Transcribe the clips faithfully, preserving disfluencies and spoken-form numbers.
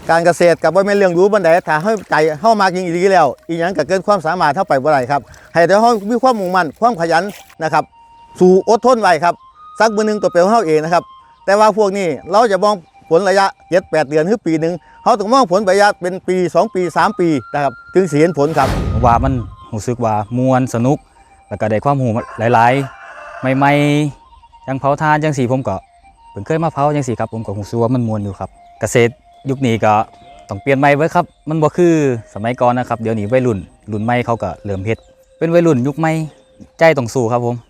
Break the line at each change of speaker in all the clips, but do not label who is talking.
การเกษตรกับว่าเป็นเรื่องรู้บันไดถ้าให้ใจเข้ามาจริงๆแล้วอีกอย่างก็เกินความสามารถเท่าไปบ่ได้ครับให้แต่เขามีความมุ่งมั่นความขยันนะครับสู่อดทนไว้ครับสักมือหนึ่งตัวเปลวเขาเองนะครับแต่ว่าพวกนี้เราจะมองผลระยะเจ็ดแปดเดือนหรือปีหนึ่งเขาต้องมองผลระยะเป็นปีสองปีสามปีนะครับถึงสิเห็นผลครับ
ว่ามันรู้สึกว่ามวนสนุกแล้วก็ได้ความรู้หลายๆใหม่ๆยังเผาทานจังสีผมก็เพิ่งเคยมาเผาจังสีครับผมก็รู้สึกว่ามันมวนอยู่ครับเกษตรยุคนี้ก็ต้องเปลี่ยนใหม่ไว้ครับมันบ่คือสมัยก่อนนะครับเดี๋ยวนี้วัยรุ่นรุ่นใหม่เขาก็เริ่มเฮ็ดเป็นวัยรุ่นยุคใหม่ใจต้องสู้ครับผม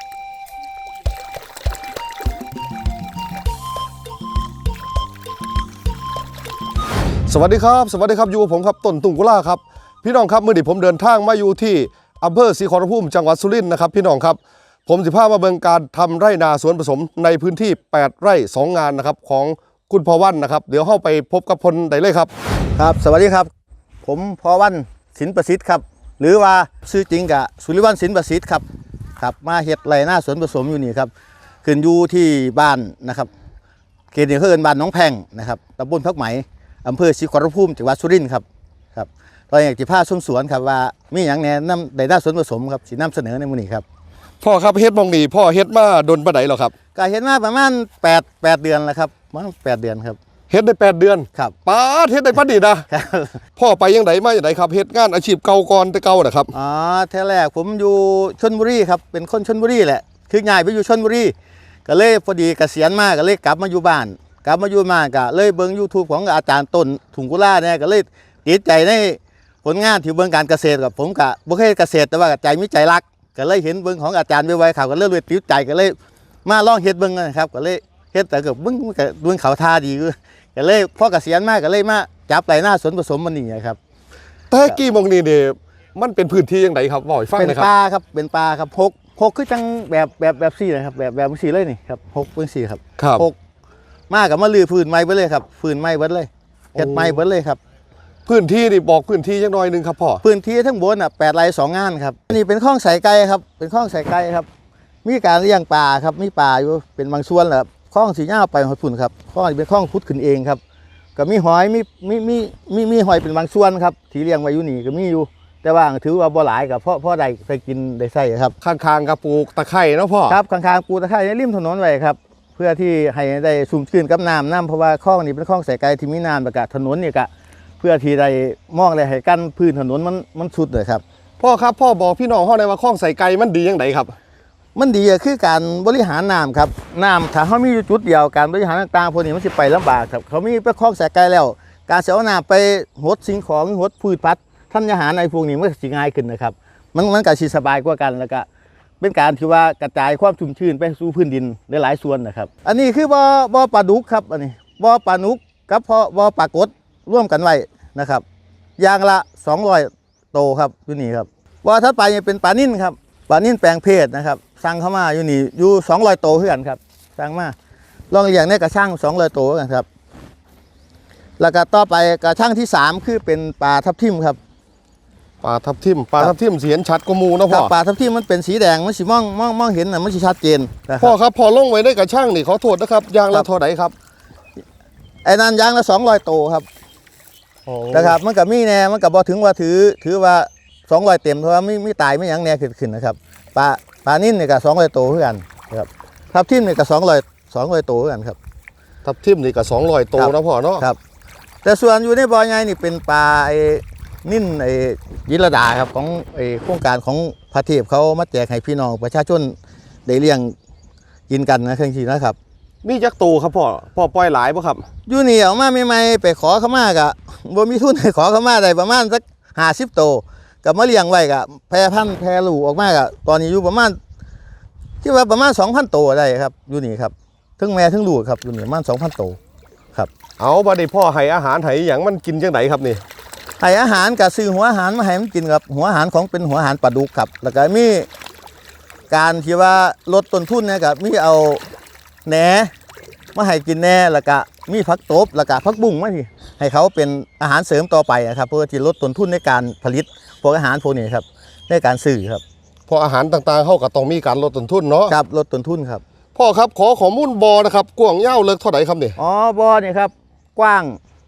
สวัสดีครับสวัสดีครับอยู่กับผมครับต้นตุงกุล่าครับพี่น้องครับเมื่อนี้ผมเดินทางมาอยู่ที่อำเภอศรีขอรภูมิจังหวัดสุรินทร์นะครับพี่น้องครับผมสิพามาเบิ่งการทำไร่นาสวนผสมในพื้นที่แปดไร่สองงานนะครับของคุณพอวันนะครับเดี๋ยวเข้าไปพบกับพลได้เลยครับ
ครับสวัสดีครับผมพอวันสินประสิทธิ์ครับหรือว่าชื่อจริงกะสุริวัฒน์สินประสิทธิ์ครับครับมาเฮ็ดไร่นาสวนผสมอยู่นี่ครับขึ้นอยู่ที่บ้านนะครับเขตนี้เขาเอิ้นบ้านน้องแพงนะครับตำบลพักไหมอำเภอศรีขอรภูมิจังหวัดสุรินทร์ครับครับตอนอยากจะพาชมสวนครับว่ามีอย่างแนะนำไร่นาสวนผสมครับสินำเสนอในมื้อนี้ครับ
พ่อครับเฮ็ดมองนี่พ่อเฮ็ดมาดนปานใดหรอครับ
ก็เฮ็ดมาประมาณแปด แปดเดือนแล้วครับประมาณแปดเดือนครับ
เฮ็ดได้แปดเดือน
ครับ
ป้าเฮ็ดได้ปานนี้นะครับพ่อไปยังไดมาจังไดครับเฮ็ดงานอาชีพเก่าก่อนแต่เก่าน่ะครับ
อ๋อแท้แรกผมอยู่ชลบุรีครับเป็นคนชลบุรีแหละคือย้ายไปอยู่ชลบุรีก็เลยพอดีเกษียณมาก็เลยกลับมาอยู่บ้านกลับมาอยู่มาก็เลยเบิ่ง YouTube ของอาจารย์ต้นถุงกุล่าเนี่ยก็เลยติดใจในผลงานที่เบิ่งการเกษตรกับผมก็บ่เคยเกษตรแต่ว่าใจมีใจรักก็เลยเห็นเบิ่งของอาจารย์ไว้ๆเขาก็เลยเลยติดใจก็เลยมาลองเฮ็ดเบิ่งนะครับก็เลยเฮ็ดแต่ก็เบิ่งก็เบิ่งเขาท่าดีก็เลยพอเกษียณมาก็เลยมาจับไร่นาสวนผสมมันนี่ครับ
แต่กี้มองนี่นี่มันเป็นพื้นที่จังไดครับบอกให้ฟังหน่อยครับ
เป็นป่าครับเป็นป่าครับหกหกคือจังแบบแบบแบบสี่นะครับแบบแบบสี่เลยนี่ครับหกเป็นสี่ครับหกมากับมาลือพื้นไม้ไปเลยครับพื้นไม้เบิดเลยเฮ็ดไม้เบิดเลยครับ
พื้นที่นี่บอกพื้นที่จังหน่อยนึงครับพ่อ
พื้นที่ทั้งบนอ่ะแปดไร่สองงานครับนี่เป็นคลองสายไก่ครับเป็นคลองสายไก่ครับมีการเลี้ยงปลาครับมีปลาอยู่เป็นบางส่วนแหละคลองสีหญ้าไปหอยฝุ่นครับคลองเป็นคลองพุทธขึ้นเองครับก็มีหอยมีมีมีมีมีหอยเป็นบางส่วนครับที่เลี้ยงไว้อยู่นี่ก็มีอยู่แต่ว่าถือว่าบ่หลายกับเพราะเพราะได้ไปกินได้ใส่ครับ
ข้างๆกับปลูกตะไคร้เนาะพ่อ
ครับข้างๆปลูกตะไคร้ในริมถนนไว้ครับเพื่อที่ให้ได้ชุ่มชื้นกับน้ำน้ำเพราะว่าคลองนี้เป็นคลองสายไก่ที่มีน้ำประกาศถนนนี่ก็เพื่อที่ได้มองได้ให้กั้นพื้นถนนมันมันสุดเลยครับ
พ่อครับพ่อบอกพี่น้องเฮาได้ว่าคลองสายไก่มันดีจังไดครับ
มันดีคือการบริหารน้ำครับน้ำถ้าเขามีอยู่จุดเดียวการบริหารต่างๆพวกนี้มันสิไปลำบากครับเขามีไปคลองสายไก่แล้วการเสียน้ำไปหดสิ่งของหดพืชพันธุ์ท่านอาหารในพวกนี้มันสิง่ายขึ้นนะครับมันมันก็สิสบายกว่ากันแล้วก็เป็นการที่ว่ากระจายความชุ่มชื้นไปสู่พื้นดินได้หลายส่วนนะครับอันนี้คือบ่อบ่อปลาดุกครับอันนี้บ่อปลาดุกกับพอบ่อปลากดร่วมกันไว้นะครับอย่างละสองร้อยโตครับอยู่นี่ครับบ่อถัดไปเป็นปลานิ่นครับปลานิ่นแปลงเพศนะครับสั่งเข้ามาอยู่นี่อยู่สองร้อยโตเพื่อนครับสั่งมาลองเลี้ยงในกระช่างสองร้อยโตกันครับแล้วก็ต่อไปกระช่างที่สามคือเป็นปลาทับทิมครับ
ปลาทับทิมปลาทับทิมสีเห็นชัดกว่าหมู่นะพ่อ
ปลาทับทิมมันเป็นสีแดงมันสิมองมองมองเห็นน่ะมันสิชัดเจน
พ่อครับพอลงไว้ในกระช่างนี่ขอโทษนะครับยางละเท่าไหร่ครับ
ไอ้นั่นยางละสองร้อยโตครับนะครับมันกับมีแน่มันกับบ่ถึงว่าถือถือว่าสองร้อยเต็มเพราะว่าไม่ไม่ตายไม่ยังแน่ขึ้นขึ้นนะครับปลาปลานิ่นนี่ก็สองร้อยโตเหมือนกันครับทับทิมนี่ก็สองร้อยสองร้อยโตเหมือนกันครับ
ทับทิมนี่ก็สองร้อยโตนะพ่อเนาะ
ครับแต่ส่วนอยู่ในบ่อใหญ่นี่เป็นปลาไอ้นิ่นไอ้ยิรดาครับของไอ้โครงการของพระเทพเขามาแจกให้พี่น้องประชาชนได้เลี้ยงกินกันนะเครื่องชีนะครับ
มีจักโตครับพ่อพ่อปล่อยหลายป่ะครับ
อยู่นี่ออกมาใหม่ๆไปขอเขามากะบ่มีทุนให้ขอเขามาได้ประมาณสักห้าสิบโตกับมาเลี้ยงไว้กะแพร่พันธุ์แพร่ลูกออกมากะตอนนี้อยู่ประมาณคิดว่าประมาณสองพันโตได้ครับอยู่นี่ครับทั้งแม่ทั้งลูกครับอยู่นี่ประมาณสองพันโตครับ
เอาบัดนี้พ่อให้อาหารให้อย่างมันกินจังไดครับนี่
ให้อาหารกับซื้อหัวอาหารมาให้มันกินกับหัวอาหารของเป็นหัวอาหารปลาดุกครับแล้วก็มีการที่ว่าลดต้นทุนนะครับมีเอาแหนมาให้กินแหน่แล้วก็มีผักตบแล้วก็ผักบุ้งมาที่ให้เขาเป็นอาหารเสริมต่อไปนะครับเพื่อที่ลดต้นทุนในการผลิตพวกอาหารพวกนี้ครับในการซื้อครับ
พออาหารต่างๆเขาก็ต้องมีการลดต้นทุนเนาะ
ครับลดต้นทุนครับ
พ่อครับขอข้อมูลบ่อนะครับกว้างยาวเลิกเท่าไหร่ครับนี่
อ๋อบ่อนี่ครับกว้าง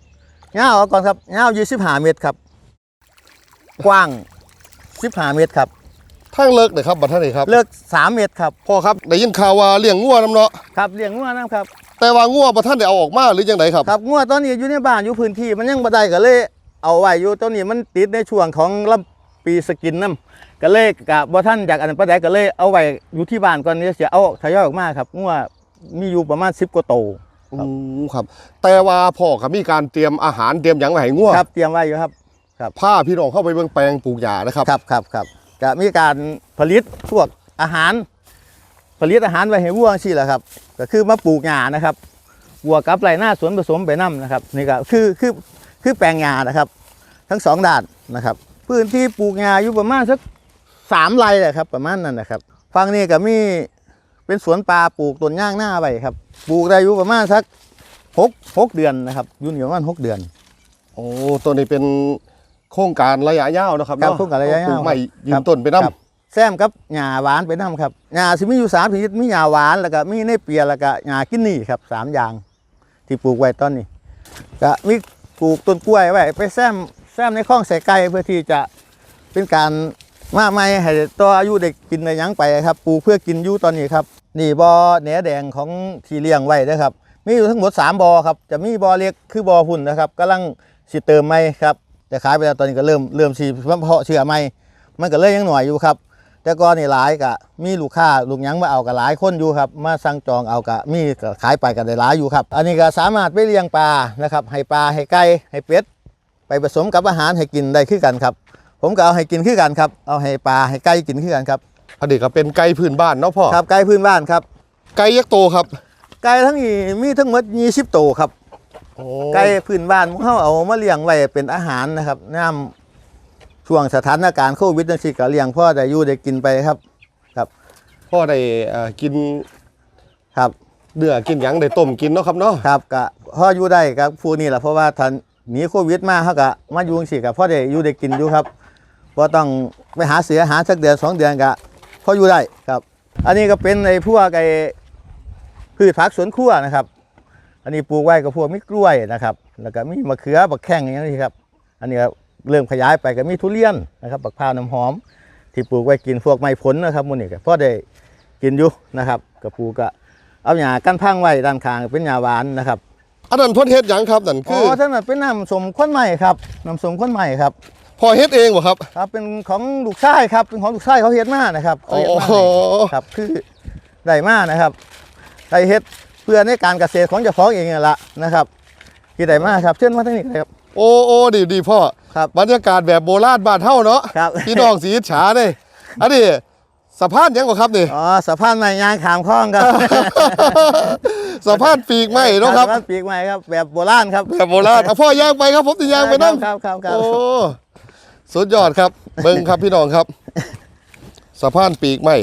ยาวเอาก่อนครับยาวยี่สิบห้าเมตรครับกว้างสิบห้าเมตรครับ
ทางเลิกเลยครับบัดท่านนี่ครับ
เลือกสามเมตรครับ
พ่อครับได้ยินข่าวว่าเลี้ยงงัวน้ำเนาะ
ครับเลี้ยงงัวนะครับ
แต่ว่างัวบัดท่านได้เอาออกมาหรือยังไงครับ
ครับงัวตอนนี้อยู่ในบ้านอยู่พื้นที่มันยังบ่ได้ก็เลยเอาไว้อยู่ตอนนี้มันติดในช่วงของลำปีสกินน้ำก็เลยกะบ่ท่านจากอันนั้นปานใดก็เลยเอาไว้อยู่ที่บ้านก่อนนี้เสียเอาทยอยออกมาครับงัวมีอยู่ประมาณสิบกว่าโตว
อืมครับ แต่ว่าพ่อครับมีการเตรียมอาหารเตรียมหยังไว้ให้งัว
ครับเตรียมไว้อยู่ครับ
พาพี่น้องเข้าไปเบิ่งแปลงปลูกหญ้านะครับ
ครับครับครับก็มีการผลิตพวกอาหาร ผลิตอาหารไว้ให้วัวสิแหละครับก็คือมาปลูกหญ้านะครับวัวกับไรหน้าสวนผสมไปน้ำนะครับนี่ก็คือคือคือแปลงหญ้านะครับ ทั้งสองด้านนะครับ พื้นที่ปลูกหญ้าอยู่ประมาณสักสามไร่แหละครับประมาณนั้นนะครับฝั่งนี้ก็มีเป็นสวนปลาปลูกต้นย่างหน้าไว้ครับปลูกได้อยู่ประมาณสักหกหกเดือนนะครับอยู่นี่ประมาณหกเดือน
โอ้ตัวนี้เป็นโครงการระยะยาวนะครับ
ครับ
เนาะ
โครงการระยะยาว
ปลูกใหม่ยื
ครั
น
บ
ต้นไปน้ำ
ครับแซมกับหญ้าหวานไปน้ำครับหญ้าสิมีอยู่สามชนิดมีหญ้าหวานแล้วก็มีเนเปียแล้วก็หญ้ากินนี่ครับสามอย่างที่ปลูกไว้ตอนนี้ก็มีปลูกต้นกล้วยไว้ไปแซมแซมในคลองใส่ไก่เพื่อที่จะเป็นการมาไม่ให้ตัวอายุเด็กกินในยังไปครับปลูกเพื่อกินอยู่ตอนนี้ครับนี่บ่อแหนแดงของที่เลี้ยงไว้นะครับมีอยู่ทั้งหมดสามบ่อครับจะมีบ่อเล็กคือบ่อหุ่นนะครับกำลังสิเติมไม่ครับแต่ขายไปแล้วตอนนี้ก็เริ่มเริ่มสีเพาะเชื่อไม่มันก็เลยยังหน่อยอยู่ครับแต่ก่อนนี่หลายกะมีลูกค้าลูกหยังมาเอากับหลายคนอยู่ครับมาสั่งจองเอากะมีก็ขายไปกันได้หลายอยู่ครับอันนี้ก็สามารถไปเลี้ยงปลานะครับให้ปลาให้ไก่ให้เป็ดไปผสมกับอาหารให้กินได้คือกันครับผมก็เอาให้กินคือกันครับเอาให้ปลาให้ไก่กินคือกันครับ
อันนี้ก็เป็นไก่พื้นบ้านเนาะพ่อ
ครับไก่พื้นบ้านครับ
ไก่ยักษ์โตครับ
ไก่ทั้งนี้มีทั้งหมดยี่สิบตัวครับ
โอ้
ไก่พื้นบ้านเขาเอามาเลี้ยงไว้เป็นอาหารนะครับน้ำช่วงสถานการณ์โควิดนั่นสิก็เลี้ยงพ่อได้อยู่ได้กินไปครับครับ
พ่อได้เอ่อกิน
ครับ
เดือกินหยังได้ต้มกินเนาะครับเนาะ
ครับก็พ่ออยู่ได้ครับผู้นี้แหละเพราะว่าท่านหนีโควิดมาเขาก็มาอยู่สิกับพ่อได้อยู่ได้กินอยู่ครับเพราะต้องไปหาเสือหาสักเดือนสองเดือนก็พ่ออยู่ได้ครับ อันนี้ก็เป็นในพวกไอ้พืชผักสวนครัวนะครับ อันนี้ปลูกไว้กับพวกมีกล้วยนะครับ แล้วก็มีมะเขือบักแข้งอย่างนี้ครับ อันนี้ก็เริ่มขยายไปก็มีทุเรียนนะครับบักพร้าวน้ำหอม ที่ปลูกไว้กินพวกไม้ผลนะครับมูนี่ก็พอได้กินอยู่นะครับก็ปลูกก็เอาหญ้ากั้นพังไว้ด้านข้างเป็นหญ้าหวานนะครับ
อันนั้นพ่อเฮ็ดหยังครับนั่น
อ๋
คือ
อท่านนั้นเป็นน้ำสมข้นใหม่ครับน้ำสมข้นใหม่ครับ
พ่อเฮ็ดเองบ่ครับ
ครับเป็นของลูกชายครับเป็นของลูกชายเขาเฮ็ดมานะครับเขาเฮ็ดมา
โอ้โห
ให้ครับคือได้มานะครับได้เฮ็ดเพื่อในการเกษตรของเจ้าของเองนั่นละนะครับที่ได้มาครับเชิญมาทางนี้เลยครับ
โอ้โอ้ดีดีพ่อ
ครับ
บรรยากาศแบบโบราณบ้านเฮาเนาะ
ครับ
พี่น้องสีอิจฉาเด้อันนี้สะพานหยังบ่ครับนี่
อ๋อสะพานไม้ยางขามคลองครับ
สะพานปีกไม้เนาะครับ
สะพานปีกไม้ครับแบบโบราณครับ
แบบโบราณเอาพ่อย่างไปครับผมสิย่างไปนั่ง
ครับครับครับ
โอ้สุดยอดครับ เบิ่งครับพี่น้องครับสะพานปีกไม้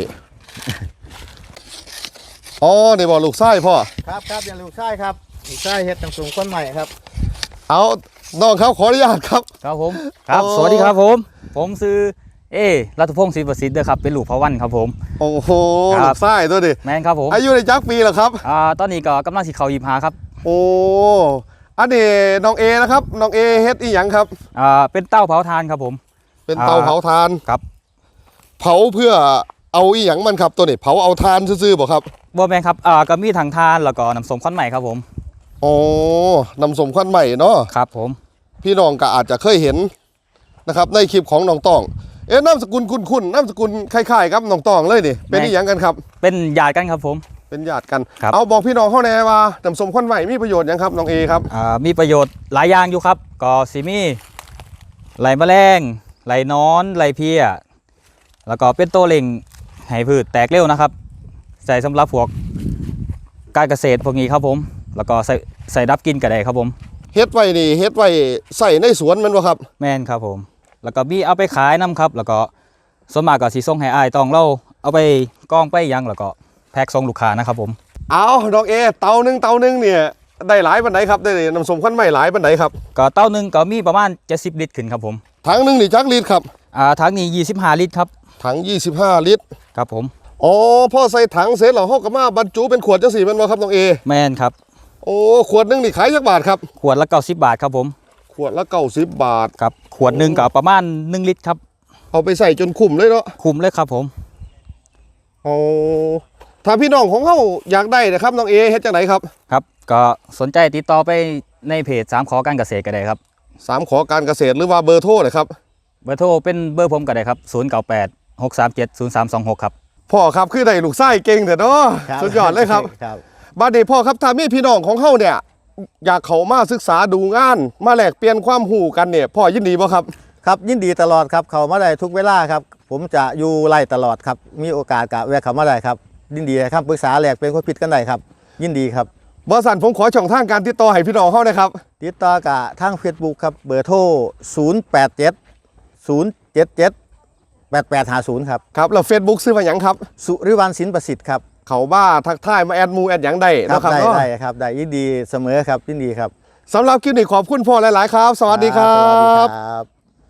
อ๋อนี่บ่ลูกไส้พ่อ
ครับครับอย่างลูกชายครับลูกชายเฮ็ดน้ำสมข้นใหม่ครับ
เอาน้องครับขออนุญาตครับ
ครับผมครับ
โอ้
สวัสดีครับผม ผมซื้อเอรัตพงศ์ศรีประสิทธิ์เด้อครับเป็นลูกพระวันครับผม
โอ้โห
ครั
ลู
บ
กไส้ตัวดิ
แมนครับผม
อายุในจักปีแล้วครับ
อ่าตอนนี้ก็กำลังสิเขายิบหาครับ
โอ้อันนี้น้องเอนะครับน้องเอเฮ็ดอีหยังครับ
อ่าเป็นเต้าเผาทานครับผม
เป็นเตา
อ่า
เผาทาน
ครับ
เผาเพื่อเอาอีหยังมันครับตัวนี้เผาเอาทานซื่อๆบ่ครับ
บ่แมนครับอ่าก็มีถังทานแล้วก็น้ำส้มข้นใหม่ครับผม
โอ้นำสมควันใหม่เนาะ
ครับผม
พี่น้องก็อาจจะเคยเห็นนะครับในคลิปของน้องตองเอ๊ะนามสกุลคุ้นๆนามสกุลคล้ายๆครับน้องตองเลยนี่เป็นอีหยังกันครับ
เป็นญาติกันครับผม
เป็นญาติกัน
ครับ
เอาบอกพี่น้องเข้าแน่ว่าน้ำสมควันใหม่มีประโยชน์หยังครับน้องเอครับ
อ่ามีประโยชน์หลายอย่างอยู่ครับก็สิมีไหลแมลงไหลนอนไหลเพี้ยแล้วก็เป็นตัวเล่งให้พืชแตกเร็วนะครับใส่สำหรับพวกการเกษตรพวกนี้ครับผมแล้วก็ใส่ใส่ดับกลินก็ได้ครับผม
เฮ็ดไว้นี่เฮ็ดไว้ใส่ในสวนแมันบ่ครับ
แม่นครับผมแล้วก็มีเอาไปขายน้ำครับแล้วก็ส่วนมากก็สีส่งให้อ้ายต้องเราเอาไปกองไปยังแล้วก็แพ็กส่งลูกค้านะครับผม
เอาน้องเอเตาหนึงเตาหนึงเนี่ยได้หลายปานไหนครับได้น้ำสมควันใหม่หลายปานไหนครับ
ก็เต้าหนึ่งก็มีประมาณเจ็ดสิบลิตรขึ้นครับผม
ถังหนึงนี่จักลิตรครับ
อ่าถังนี้ยี่สิบห้าลิตรครับ
ถังยี่สิบห้าลิตร
ครับผม
อ๋อพ่อใส่ถังเสร็จแล้วเฮาก็มาบรรจุเป็นขวดจังซี่แม่นบ่ครับน้องเอ
แม่นครับ
โอ้ขวดหนึงนี่ขายจักบาทครับ
ขวดละเก้าสิบบาทครับผม
ขวดละเก้าสิบบาท
ครับขวดหนึ่งก็ประมาณหนึ่งลิตรครับ
เอาไปใส่จนคุ้มเลยเนาะ
คุ้มเลยครับผม
เอาถ้าพี่น้องของเขาอยากได้นะครับน้องเอเฮ็ดจังไหนครับ
ครับก็สนใจติดต่อไปในเพจสามขอการเกษตรก็ได้ครับ
สามขอการเกษตรหรือว่าเบอร์โทรเลยครับ
เบอร์โทรเป็นเบอร์ผมก็ได้ครับศูนย์ เก้า แปด หก สาม เจ็ด ศูนย์ สาม สอง หกครับ
พ่อครับคือได้ลูกไส้เก่งเถอะเนาะ
ครับ
สุดยอดเลยครับ
ครับ
บาดนี้พ่อครับถ้ามีพี่น้องของเขาเนี่ยอยากเขามาศึกษาดูงานมาแลกเปลี่ยนความรู้กันเนี่ยพ่อยินดีบ่ครับ
ครับยินดีตลอดครับเขามาได้ทุกเวลาครับผมจะอยู่ไล่ตลอดครับมีโอกาสกะแวะเขามาได้ครับยินดีครับปรึกษาแหลกเป็นคนผิดกันได้ครับยินดีครับ
บริษัทผมขอช่องทางการติดต่อให้พี่น้องเขานะครับ
ติดต่อกะทางเฟซบุ๊กครับเบอร์โทรศูนย์ แปด เจ็ด ศูนย์ เจ็ด เจ็ด แปด แปด ห้า ศูนย์ครับ
ครับแล้วเฟซบุ๊กซื้อมาหยังครับ
สุริวันสินประสิทธิ์ครับ
เขาบ้าทักทายมาแอดมูแอดหยังได้
ครับ
นะครับ
ได้
เนาะ
ได้ครับได้ยินดีเสมอครับยินดีครับ
สำหรับคลิปนี้ขอบคุณพ่อหลาย ๆ ครับ สวัสดีครั
สวัสดี
บ
ครับ